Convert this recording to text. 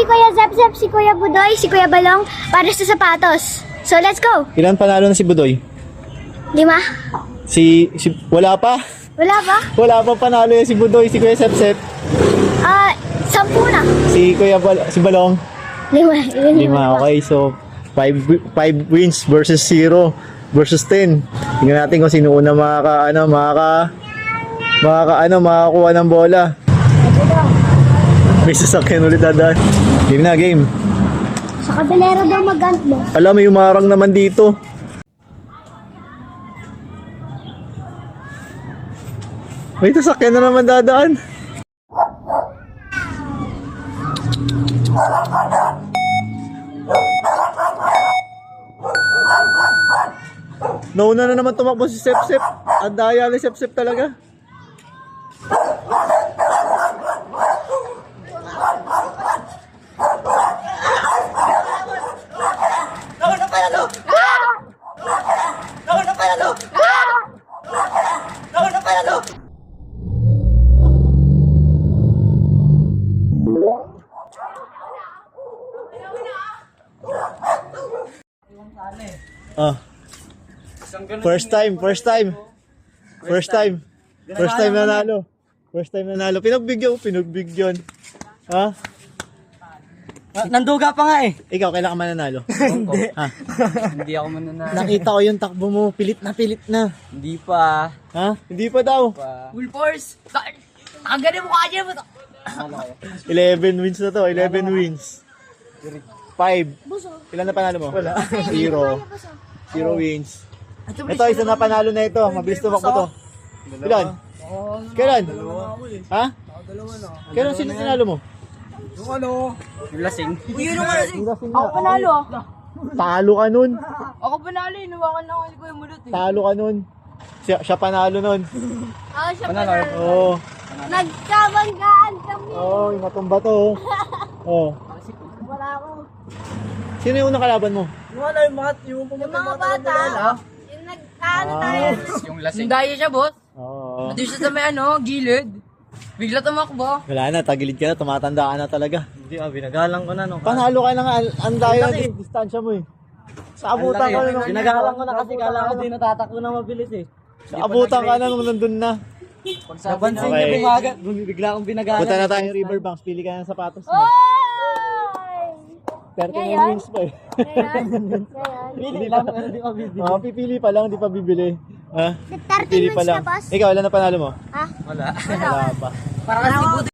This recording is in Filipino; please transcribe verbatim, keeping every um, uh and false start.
Kuya Zep-Zep, si Kuya Budoy, si Kuya Balong para sa sapatos. So, let's go! Ilan panalo na si Budoy? Lima? Si, si wala pa. Wala ba? Wala pa panalo yan si Budoy, si Kuya Sepsep. Ah, sampu na. Si Kuya Bal si Balong. Lima. Lima. Lima, okay. So, five, five wins versus zero versus ten. Tingnan natin kung sino una makaka, ano, makaka, makaka, ano, makakuha ng bola. May sasakyan ulit dadaan. Game na, game. Sa kabelera daw mag-ant mo. Alam, may umarang naman dito. May sasakyan na naman dadaan. Nauna na naman tumakbo si Sepsep. Ang daya ni Sepsep talaga. Nauna panalo! Nauna panalo! Nauna panalo! Ah. First time, first time. First time. First time nanalo. First time nanalo. Pinagbigyan, pinagbigyan. Ha? Nanduga pa nga eh. Ikaw, kailan ka mananalo? Hindi. Ha? Hindi ako mananalo. Nakita ko yung takbo mo. Pilit na pilit na. Hindi pa. Ha? Hindi pa daw. Full force. Nakagani mo kanya mo. eleven wins na to. eleven wins. five. Ilan na panalo mo? Wala. Zero. Zero wins. Ito, isa na panalo na ito. Mabilis tumakbo to. Ilan? Kailan? Ha? Kailan sino tinalo mo? Yung ano? Yung lasing. Uy, yun yung lasing. Ako panalo ah. Talo ka nun. Ako panalo eh. Nawakan na ako ko yung mulot eh. Talo ka nun. Siya, siya panalo nun. Ako siya Panalo. panalo. Oo. Nagkabanggaan kami. Oo, oh, yung natumba to. Oo. Oh. Wala ako. Sino yung unang kalaban mo? Yung ano yung mga yung Yung mga bata. Yung nag-ano tayo. Yung lasing. Sundaya siya boss. Oo. Nandun siya sa may ano, gilid. Bigla tumakbo. Wala na, tagilid ka na, tumatanda ka na talaga. Hindi ah, binagalang ko na nung. Panalo ka na nga, ang daya na dis- distansya mo eh. Sa abutan ka na nung... Binagalang ko na kasi kala ko di natatakbo na mabilis eh. Sa abutan ka na nung nandun na. Napansin Okay. niya bumaga, bigla akong binagalan. Punta na tayo Riverbanks, pili ka ng sapatos mo. Oy! thirty Ngayon? wins pa eh. Ngayon? Ngayon? Pili lang, pero di ko video. Ah, pipili pa lang, di pa bibili. Ha? thirty Pipili pa minutes lang. na, boss. Ikaw, ilan na panalo mo? Ha? Wala. Wala pa. Para kasi